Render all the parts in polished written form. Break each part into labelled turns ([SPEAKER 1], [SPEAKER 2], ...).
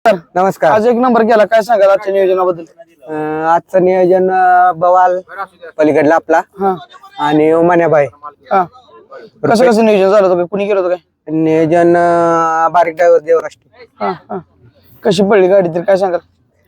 [SPEAKER 1] नमस्कार.
[SPEAKER 2] नमस्कार.
[SPEAKER 1] आज एक नंबर केला, काय सांगाल आजच्या नियोजनाबद्दल?
[SPEAKER 2] आजचं नियोजन बवाल पलीकडला आपला
[SPEAKER 1] हा
[SPEAKER 2] आणि उमान्याबाई.
[SPEAKER 1] हा कसं नियोजन झालं होतं? कुणी केलं होतं काय?
[SPEAKER 2] नियोजन बारीक ड्रायव्हर देवराष्ट्र.
[SPEAKER 1] हा हा कशी पडली गाडी तर काय सांगाल?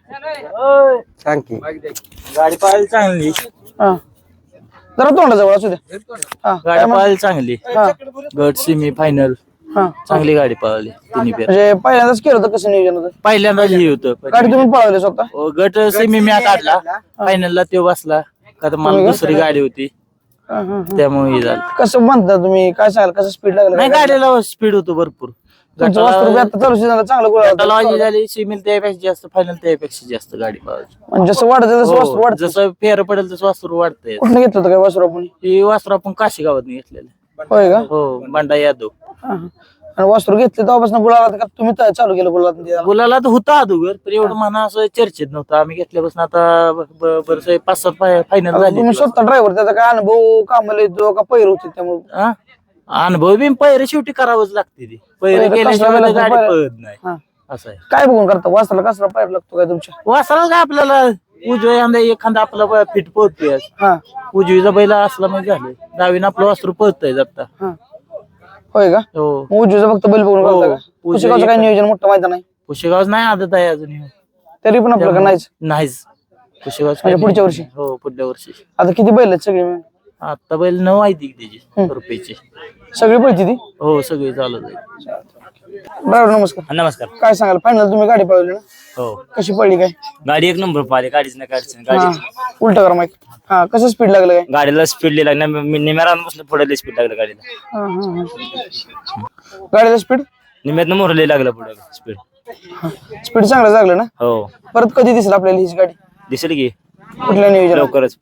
[SPEAKER 2] सांग की.
[SPEAKER 3] गाडी पाहायला चांगली.
[SPEAKER 1] हा जरा तोंडाजवळ असू द्या. हा काय
[SPEAKER 3] गाडी
[SPEAKER 1] म्हण-
[SPEAKER 3] पाहायला चांगली.
[SPEAKER 1] हा
[SPEAKER 3] गट सेमी फायनल
[SPEAKER 1] हा
[SPEAKER 3] चांगली गाडी पळाली तिन्ही पेर.
[SPEAKER 1] म्हणजे पहिल्यांदाच केलं होतं, कसं नियोजन होतं?
[SPEAKER 3] पहिल्यांदा हे होतं
[SPEAKER 1] गाडी तुम्ही पळवली स्वतः?
[SPEAKER 3] गट सेमी मी काढला, फायनलला तो बसला का तर मला दुसरी गाडी होती
[SPEAKER 1] हा, हा, हा.
[SPEAKER 3] त्यामुळे हे झालं.
[SPEAKER 1] कसं म्हणता तुम्ही, काय सांगाल? कसं स्पीड लागलं
[SPEAKER 3] नाही गाडीला स्पीड होतो भरपूर.
[SPEAKER 1] तुमचं वासरू बी आता चालू झालं, चांगलं गोळा होतं.
[SPEAKER 3] गटाला वाजी झाली, सेमील त्यापेक्षा जास्त, फायनल त्यापेक्षा जास्त गाडी पळाली.
[SPEAKER 1] म्हणजे जसं वाढत तसं वासरू
[SPEAKER 3] हो,
[SPEAKER 1] वाढतं.
[SPEAKER 3] जसं फेर पडेल तसं वासरू वाढतंय.
[SPEAKER 1] कुठनं घेतलं होतं काय वासरू आपण?
[SPEAKER 3] ही वासरू आपण काशी गावात घेतलेलं.
[SPEAKER 1] होय का?
[SPEAKER 3] हो, बंडा यादव.
[SPEAKER 1] हा, हा. आणि वासरू घेतले तेव्हापासून गुलाला का तुम्ही चालू केलं गुलाला?
[SPEAKER 3] गुलाला तर होता अगोदर, पण एवढं म्हणा असं चर्चेत नव्हतं. आम्ही घेतल्यापासून आता बरंच 5-7 फायनल झाले.
[SPEAKER 1] तुम्ही स्वतः ड्रायव्हर, त्याचा काय अनुभव कामाला येतो का पैर होते त्यामुळे?
[SPEAKER 3] हा? अनुभव बी पैरे शेवटी करावंच लागते ती. पैरे
[SPEAKER 1] पैरे
[SPEAKER 3] केल्याशिवाय
[SPEAKER 1] कसला
[SPEAKER 3] तर गाडी
[SPEAKER 1] पैरे?
[SPEAKER 3] पळत नाही.
[SPEAKER 1] हा.
[SPEAKER 3] असं आहे.
[SPEAKER 1] काय बघून करता वासराला? कसला पैर लागतो काय तुमच्या?
[SPEAKER 3] वासराला काय आपल्याला उजव्या खांदा एखादा आपला फिट पळतोय.
[SPEAKER 1] हा
[SPEAKER 3] उजवीचा बैला असला म्हणजे झालं. डावीनं आपलं वासरू पळतंय आता.
[SPEAKER 1] हा होय का?
[SPEAKER 3] हो.
[SPEAKER 1] मग उजवीचं फक्त बैल बघून
[SPEAKER 3] हो.
[SPEAKER 1] करता का? पुशेगावचं काय नियोजन मोठं माहिती नाही
[SPEAKER 3] पुशेगावच नाही आदत आहे अजून.
[SPEAKER 1] तरी पण आपल्याला नाहीच.
[SPEAKER 3] नाहीच पुशेगाव
[SPEAKER 1] म्हणजे पुढच्या वर्षी?
[SPEAKER 3] हो, पुढल्या वर्षी.
[SPEAKER 1] आता किती बैल आहेत सगळी मिळून?
[SPEAKER 3] आता बैल 9 आहे ती त्याची रुपयाची.
[SPEAKER 1] सगळी पळती ती?
[SPEAKER 3] हो, सगळी चालत आहे.
[SPEAKER 1] ड्रायव्हर नमस्कार.
[SPEAKER 4] नमस्कार.
[SPEAKER 1] काय सांगाल? फायनल तुम्ही गाडी पळवली ना,
[SPEAKER 4] हो,
[SPEAKER 1] कशी पडली काय?
[SPEAKER 4] गाडी एक नंबर पाहिली. गाडीच नाही काढायची.
[SPEAKER 1] हा
[SPEAKER 4] गाडी
[SPEAKER 1] उलट करा माईक. हा कसं स्पीड लागलं काय?
[SPEAKER 4] गाडीला स्पीड लागला. निम्याला बसलं पुढे स्पीड लागलं गाडीला.
[SPEAKER 1] हा, हा, हा. गाडीला स्पीड
[SPEAKER 4] निम्यातनं मोरले लागलं पुढे स्पीड.
[SPEAKER 1] स्पीड चांगलं लागलं ना?
[SPEAKER 4] हो,
[SPEAKER 1] परत कधी दिसेल आपल्याला हीच गाडी?
[SPEAKER 4] दिसेल की
[SPEAKER 1] कुठल्या नियोजन?
[SPEAKER 4] लवकरच.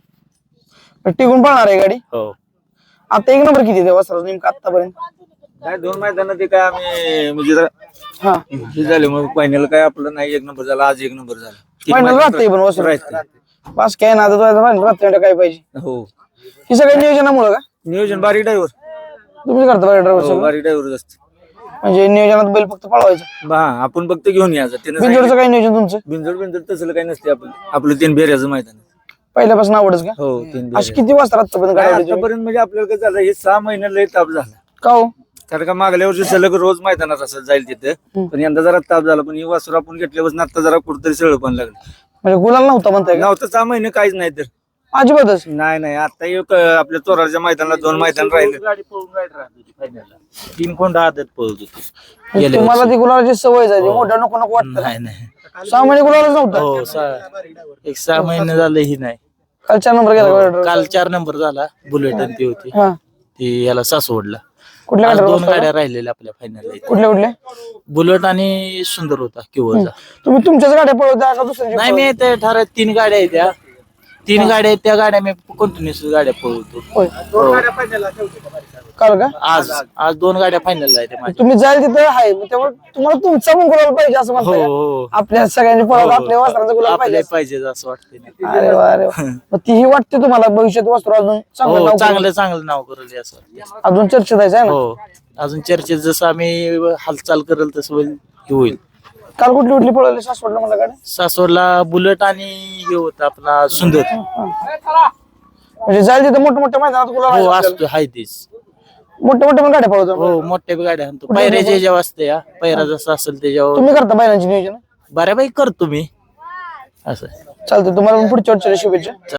[SPEAKER 1] टिकून पळणार आहे गाडी?
[SPEAKER 4] हो,
[SPEAKER 1] आता एक नंबर किती वासराचं नेमकं आतापर्यंत?
[SPEAKER 5] काय 2 मैदान ते काय आम्ही म्हणजे जरा
[SPEAKER 1] हा
[SPEAKER 5] हे झाले मग फायनल काय आपलं नाही 1 नंबर झाला. आज 1 नंबर झाला.
[SPEAKER 1] फायनल राहते पण वासरू
[SPEAKER 5] राहते.
[SPEAKER 1] पास काय ना फायनल राहते काय पाहिजे?
[SPEAKER 5] हो,
[SPEAKER 1] ही सगळ्या नियोजनामुळे का
[SPEAKER 5] नियोजन बारीक ड्रायव्हर.
[SPEAKER 1] तुम्ही करता बरं ड्रायव्हर?
[SPEAKER 5] हो, बारीक ड्रायव्हर असते.
[SPEAKER 1] म्हणजे नियोजनात बैल फक्त पळवायचं?
[SPEAKER 5] हा, आपण फक्त घेऊन यायचं. त्यानं
[SPEAKER 1] बिंजोडचं काय नियोजन तुमचं?
[SPEAKER 5] बिंजोड तसलं काही नसते. आपलं 3 बेऱ्याचं मैदान.
[SPEAKER 1] पहिल्यापासून आवडच का?
[SPEAKER 5] हो, 3
[SPEAKER 1] अशी किती वाजता आतापर्यंत गाडी आवडली तुम्ही?
[SPEAKER 5] आतापर्यंत म्हणजे आपल्याला काय झालं, हे 6 महिने लय ताप झाला.
[SPEAKER 1] का हो?
[SPEAKER 5] कारण का मागल्या वर्षी सलग रोज मैदानात असं जाईल तिथं, पण यंदा जरा ताप झाला. पण ही वासरू आपण घेतल्यापासून आता जरा कुठतरी सळ पण लागलं.
[SPEAKER 1] म्हणजे गुलाल नव्हता म्हणताय का?
[SPEAKER 5] नव्हतं 6 महिने काहीच नाही तर.
[SPEAKER 1] अजिबातच?
[SPEAKER 5] नाही आता एक आपल्या चोराच्या मैदानाला 2 मैदान राहिले.
[SPEAKER 3] गाडी पळून गाडी राहत होती फायनलला. 3 कोंडा आदत पळत होती.
[SPEAKER 1] म्हणजे तुम्हाला ती गुलालाची सवय झाली, मोठ्या नको नको वाटतं.
[SPEAKER 3] नाही नाही.
[SPEAKER 1] 6 महिने गुलालच नव्हता?
[SPEAKER 3] हो, 6 महिने झाले ही नाही.
[SPEAKER 1] काल 4 नंबर गेला.
[SPEAKER 3] काल 4 नंबर झाला. बुलेट आणि ती होती
[SPEAKER 1] हा
[SPEAKER 3] ती याला सासवडला.
[SPEAKER 1] कुठल्या
[SPEAKER 3] आज
[SPEAKER 1] गाडीवर
[SPEAKER 3] 2
[SPEAKER 1] बसला?
[SPEAKER 3] गाड्या राहिलेल्या आपल्या फायनल.
[SPEAKER 1] कुठल्या कुठल्या?
[SPEAKER 3] बुलेट आणि सुंदर होता किंवा
[SPEAKER 1] तुम्ही तुमच्याच गाड्या पळवता का दुसऱ्याची?
[SPEAKER 3] नाही, मी ते ठरत 3 गाड्या आहेत त्या. 3 गाड्या आहेत त्या गाड्या मी कंटिन्युअस गाड्या पळवतो.
[SPEAKER 1] होय.
[SPEAKER 3] हो.
[SPEAKER 1] काल का?
[SPEAKER 3] आज 2 गाड्या फायनल आहेत माझ्या.
[SPEAKER 1] तुम्ही जाईल तिथे आहे, मग त्यामुळे तुम्हाला तुमचा पण गुलाल पाहिजे असं
[SPEAKER 3] हो
[SPEAKER 1] म्हणताय का?
[SPEAKER 3] हो
[SPEAKER 1] आपल्या सगळ्यांनी पळवलं, आपल्या वासराचं गुलाल पाहिजे
[SPEAKER 3] आपल्या
[SPEAKER 1] असं.
[SPEAKER 3] पाहिजे असं वाटतं.
[SPEAKER 1] अरे वा अरे वा. मग तीही वाटते तुम्हाला भविष्यात वासरू अजून चांगलं
[SPEAKER 3] हो,
[SPEAKER 1] नाव करेल?
[SPEAKER 3] चांगलं नाव करेल असं वाटतं.
[SPEAKER 1] अजून चर्चेत आहे ना?
[SPEAKER 3] हो, अजून चर्चेत जसं आम्ही हालचाल करेल तसं होईल.
[SPEAKER 1] काल कुठली कुठली पळवली सासवडला मला गाडी?
[SPEAKER 3] सासवडला बुलेट आणि हे होतं आपला सुंदर.
[SPEAKER 1] म्हणजे जाईल तिथे मोठ्या मोठ्या मैदानात गुलाल आहे
[SPEAKER 3] हो,
[SPEAKER 1] आपल्याला.
[SPEAKER 3] असतो हाय तीच.
[SPEAKER 1] मोठ्या मोठ्या पण गाड्या पळवतो.
[SPEAKER 3] हो, मोठ्या बी गाड्या आणतो. पायऱ्याच्या जेव्हा असते या पायरा जसा असेल त्याच्यावर
[SPEAKER 1] तुम्ही करता बैलांची नियोजन?
[SPEAKER 3] बऱ्यापैकी करतो मी असं.
[SPEAKER 1] चालतं, तुम्हाला पण पुढच्या वर्षाला शुभेच्छा.